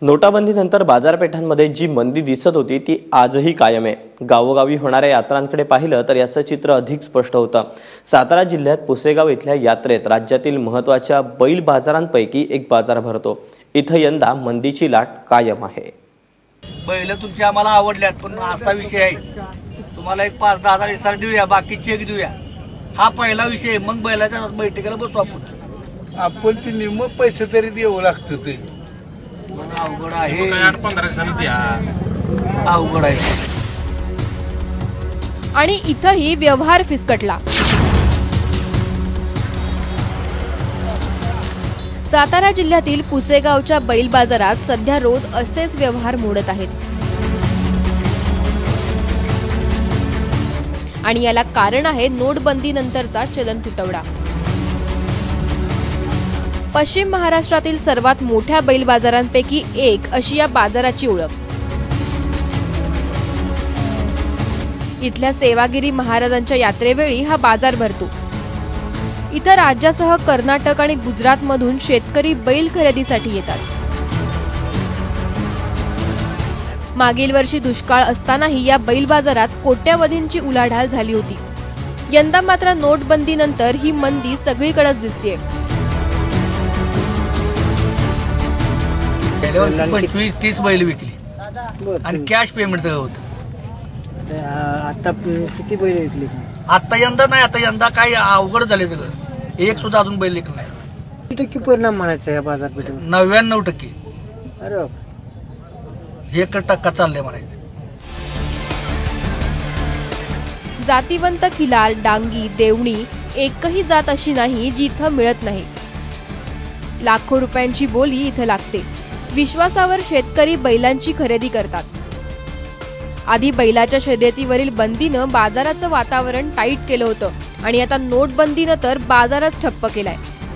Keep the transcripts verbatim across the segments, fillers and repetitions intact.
नोटाबंदीनंतर बाजारपेठांमध्ये जी मंदी दिसत होती ती आजही कायम आहे। गावोगावी होणाऱ्या यात्रांकडे पाहिलं तर याचं चित्र अधिक स्पष्ट होतं। सातारा जिल्ह्यात पुसेगाव इथल्या यात्रेत राज्यातील महत्त्वाच्या बैल बाजारांपैकी एक बाजार भरतो। इथं यंदा मंदीची लाट कायम आहे। बैल तुमची आम्हाला आवडल्यात, पण असा विषय आहे, तुम्हाला एक पाच दहा हजार इसार देऊया, बाकी चेक देऊया, हा पहिला विषय। मग बैलाच्या बैठकीला बसू आपण आपण ती निम्म पैसे तरी द्यावं लागतं ते अवघड आहे। आठ पंधरा दिवसांनी द्या, अवघड आहे। आणि इथंही व्यवहार फिसकटला। सातारा जिल्ह्यातील पुसेगावच्या बैल बाजारात सध्या रोज असेच व्यवहार मोडत आहेत आणि याला कारण आहे नोटबंदी नंतरचा चलन तुटवडा। पश्चिम महाराष्ट्रातील सर्वात मोठ्या बैल बाजारांपैकी एक अशी या बाजाराची ओळख। इथल्या सेवागिरी महाराजांच्या यात्रेवेळी हा बाजार भरतो। इतर राज्यासह कर्नाटक आणि गुजरातमधून शेतकरी बैल खरेदीसाठी येतात। मागील वर्षी दुष्काळ असतानाही या बैल बाजारात कोट्यावधींची उलाढाल झाली होती। यंदा मात्र नोटबंदीनंतर ही मंदी सगळीकडेच दिसतेय। पंचवीस तीस बैल विकली आणि कॅश पेमेंट सगळं होतं। आता किती बैल विकली? आता यंदा नाही, आता यंदा काय अवघड झाले सगळं। एक सुद्धा अजून बैल विकला नाही। किती टक्के परिणाम म्हणायचा या बाजारपेठेवर? नव्याण्णव टक्के अरे एक टक्का चाललंय म्हणायचं। जातीवंत खिलार, डांगी, देवणी एकही जात अशी नाही जी इथं मिळत नाही। लाखो रुपयांची बोली इथं लागते। विश्वासावर शेतकरी बैलांची खरेदी करतात। आधी बैलाच्या शर्यतीवरील बंदीनं बाजाराचं वातावरण टाईट केलं होतं आणि आता नोटबंदीनं तर बाजारच ठप्प केलाय।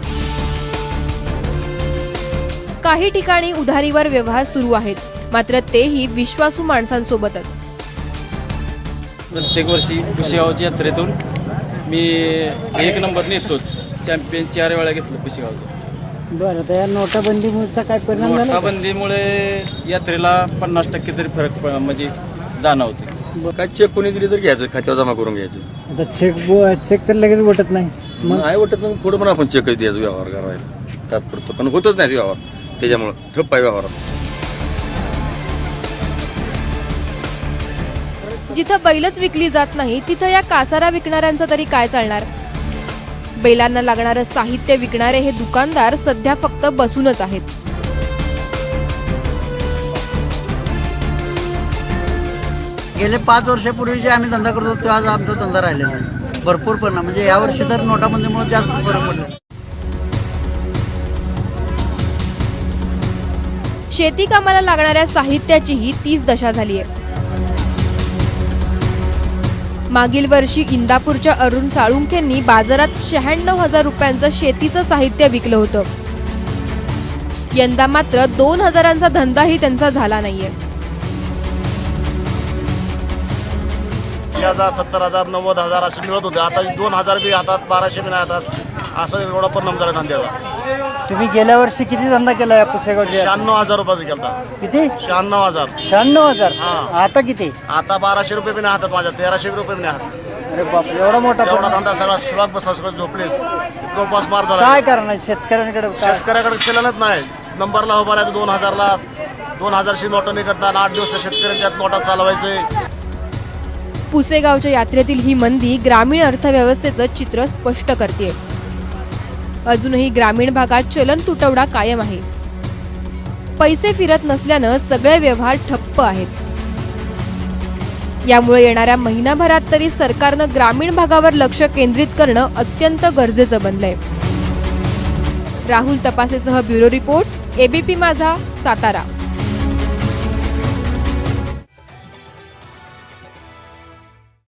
काही ठिकाणी उधारीवर व्यवहार सुरू आहेत, मात्र तेही विश्वासू माणसांसोबतच। प्रत्येक वर्षी पुसेगावच्या यात्रेतून मी एक नंबर नेतोच। चॅम्पियन चार वेळा घेतलं पुसेगावचं। बरं, तर या नोटाबंदीमुळे काय परिणाम झाला? नोटाबंदीमुळे यात्रेला पन्नास टक्के तरी फरक प- म्हणजे जाणवते। काय चेक कोणी दिली तर घ्यायचं, खात्यावर जमा करून घ्यायचं। आता चेक चेक तर लगेच वाटत नाही। मग नाही वाटत मग पुढे पण आपण चेकच द्यायचं व्यवहार करायला तात्पुरतं, पण होतच नाही व्यवहार, त्याच्यामुळे ठप्प आहे व्यवहारात। जिथं बैलच विकली जात नाही तिथं या कासारा विकणाऱ्यांचं तरी काय चालणार? बैलांना लागणारं साहित्य विकणारे हे दुकानदार सध्या फक्त बसूनच आहेत। गेले पाच वर्षापूर्वी जे आम्ही धंदा करत होतो आज आमचा धंदा राहिलेला नाही। भरपूर परिणाम म्हणजे यावर्षी तर नोटाबंदीमुळे जास्त फरक पडला। शेती कामाला लागणाऱ्या साहित्याचीही तीच दशा झाली आहे। मागील वर्षी इंदापूरच्या अरुण साळुंखेंनी बाजारात शहाण्णव हजार रुपयांचं शेतीचं साहित्य विकलं होतं। यंदा मात्र दोन हजारांचा धंदाही त्यांचा झाला नाहीये। हजार सत्तर हजार नव्वद हजार असे मिळत होते, आता दोन हजार बी हातात, बाराशे बी नाही हातात, असं एवढा परिणाम झाला धंद्याला। तुम्ही गेल्या वर्षी किती धंदा केला या पुसेगावच्या? शहाण्णव हजार रुपयाचा केला। किती? शहाण्णव हजार शहाण्णव हजार हा। आता किती? आता बाराशे रुपये बी नाही हातात माझ्या, तेराशे रुपये बी नाही हातात। अरे बाप, एवढा मोठा एवढा परिणाम. धंदा सगळा सुलाक बसला, सगळं झोपले, इतकं उपास मार झाला। काय करणार शेतकऱ्यांकडे? काय? शेतकऱ्याकडे चलनच नाही। नंबरला उभा राहायचं दोन हजारला, दोन हजारशी नोटा निघत नाही। आठ दिवस शेतकऱ्यांच्या नोटा चालवायचे। पुसेगावच्या यात्रेतील ही मंदी ग्रामीण अर्थव्यवस्थेचं चित्र स्पष्ट करते। अजूनही ग्रामीण भागात चलन तुटवडा कायम आहे। पैसे फिरत नसल्यानं सगळे व्यवहार ठप्प आहेत। यामुळे येणाऱ्या महिनाभरात तरी सरकारनं ग्रामीण भागावर लक्ष केंद्रित करणं अत्यंत गरजेचं बनलंय। राहुल तपासेसह bureau report, ABP Majha, Satara.